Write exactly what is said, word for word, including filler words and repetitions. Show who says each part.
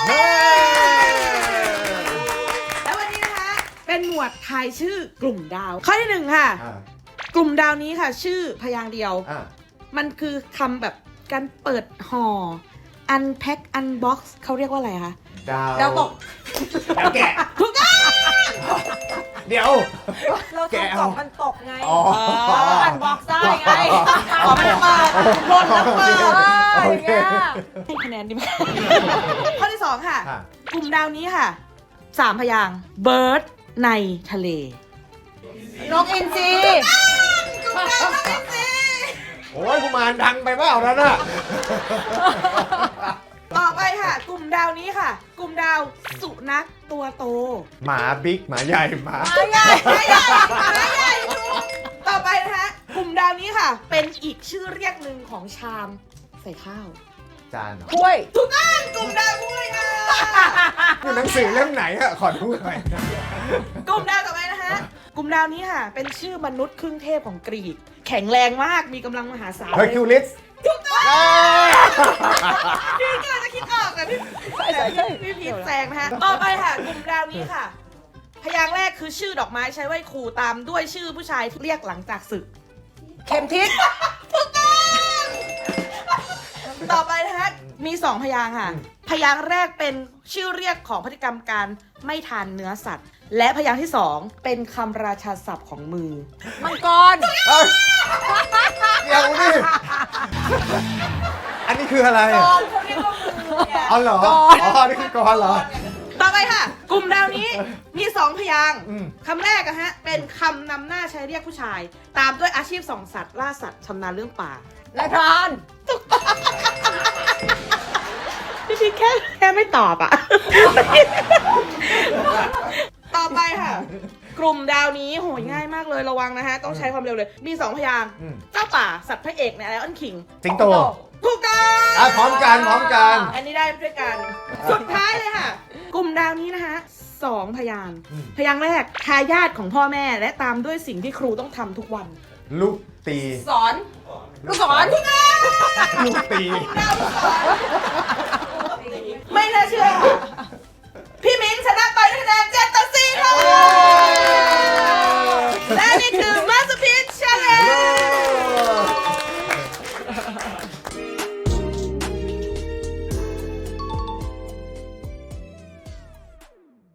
Speaker 1: แล้ววันนี้นะคะเป็นหมวดทายชื่อกลุ่มดาวข้อที่หนึ่งค่ะ
Speaker 2: อ่ะ
Speaker 1: กลุ่มดาวนี้ค่ะ ชื่อพยางค์เดียว
Speaker 2: อ่ะ
Speaker 1: มันคือคำแบบการเปิดห่อ unpack unbox เขาเรียกว่าอะไรคะ
Speaker 2: ดาว
Speaker 1: ดาวตก
Speaker 2: ดาวแกะ
Speaker 1: ถูกต้อง
Speaker 2: เดี๋ยว
Speaker 3: เรา
Speaker 2: แกะ
Speaker 3: ทำก
Speaker 2: เอา
Speaker 3: ล่องมันตกไง
Speaker 2: อ๋อ
Speaker 3: มันบ็อกซ์ได้ไง
Speaker 1: ขอมันเปิดหล่นแล้วเปิด
Speaker 3: เอออย่างเงี้ย
Speaker 1: ให้คะแนนดีไหม ข้อที่สองค่ะ
Speaker 2: ค่ะ
Speaker 1: กลุ่มดาวนี้ค่ะสามพยางค์ bird ในทะเล
Speaker 3: นกอินทรี
Speaker 1: กลุ่มดาวต้องเป็นสี
Speaker 2: โอ้ยกุมารดังไปเปล่านั่นน่ะ
Speaker 1: ต่อไปค่ะ กลุ่มดาวนี้ค่ะ กลุ่มดาวสุนัขตัวโต
Speaker 2: หมาบิ๊กหมาใหญ่หมา
Speaker 3: มาใหญ่
Speaker 1: ไม่ใหญ่ไม่ใหญ่ถูกต่อไปนะคะกลุ่มดาวนี้ค่ะ เป็นอีกชื่อเรียกหนึ่งของชามใส่ข้าว
Speaker 2: จานเหรอ
Speaker 3: ถ้วย
Speaker 1: ถูกต้องกลุ่มดาวถ้วยค่ะ
Speaker 2: คือหนังสือเล่มไหนอะขอดูหน่อย
Speaker 1: กลุ่มดาวต่อไปนะคะกลุ่มดาวนี้ค่ะ เป็นชื่อมนุษย์ครึ่งเทพของกรีก แข็งแรงมากมีกำลังมหาศาล
Speaker 2: เฮอร์คิวลิส
Speaker 1: ถูกต้องพี่ก็จะคิดออกแต่พี่
Speaker 3: ใช่ใช่ใช่
Speaker 1: พี่พีทแซงนะคะต่อไปค่ะ กลุ่มดาวนี้ค่ะ พยางค์แรกคือชื่อดอกไม้ใช้ไหว้ครูตามด้วยชื่อผู้ชายที่เรียกหลังจากศึก
Speaker 3: เข็มทิศ
Speaker 1: ต่อไปนะคะมีสองพยางค์ค่ะ พยางค์แรกเป็นชื่อเรียกของพฤติกรรมการไม่ทานเนื้อสัตว์ และพยางค์ที่สองเป็นคำราชาศัพท์ของมือ
Speaker 3: มังกร
Speaker 2: เอ้ยเดี๋ยวนี่อันนี้คืออะไร
Speaker 1: ก
Speaker 2: อะ
Speaker 1: องเขาเรียกว่ามือเนี่ย
Speaker 2: อ๋อเหรอ อ๋อ นี่คือกรเหรอ
Speaker 1: ต่อไปค่ะ กลุ่มดาวนี้มีสองพยางค์
Speaker 2: อืม
Speaker 1: คำแรกอะฮะเป็นคำนำหน้าใช้เรียกผู้ชาย ตามด้วยอาชีพส่องสัตว์ล่าสัตว์ชำนาญเรื่องป่า
Speaker 3: นายพราน
Speaker 1: พี่พีแค่แค่ไม่ตอบอะ ต่อไปค่ะ กลุ่มดาวนี้โหยง่ายมากเลยระวังนะฮะ ต้องใช้ความเร็วเลย มีสองพยางค์
Speaker 2: อืม
Speaker 1: เจ้าป่าสัตว์พระเอกในไลออนคิง
Speaker 2: สิงโต
Speaker 1: ถูกต้อง
Speaker 2: อ่ะพร้อมกันพร้อมกัน
Speaker 1: อันนี้ได้ด้วยกัน สุดท้ายเลยค่ะ กลุ่มดาวนี้นะคะสองพยางค์
Speaker 2: อืม
Speaker 1: พยางค์แรกทายาทของพ่อแม่และตามด้วยสิ่งที่ครูต้องทำทุกวัน
Speaker 2: ลูกตี
Speaker 1: สอน
Speaker 3: ลูกศร
Speaker 2: ลูกตี
Speaker 1: ไม่น่าเชื่อค่ะพี่มิ้นชนะไปด้วยคะแนนเจ็ดต่อสี่ค่ะ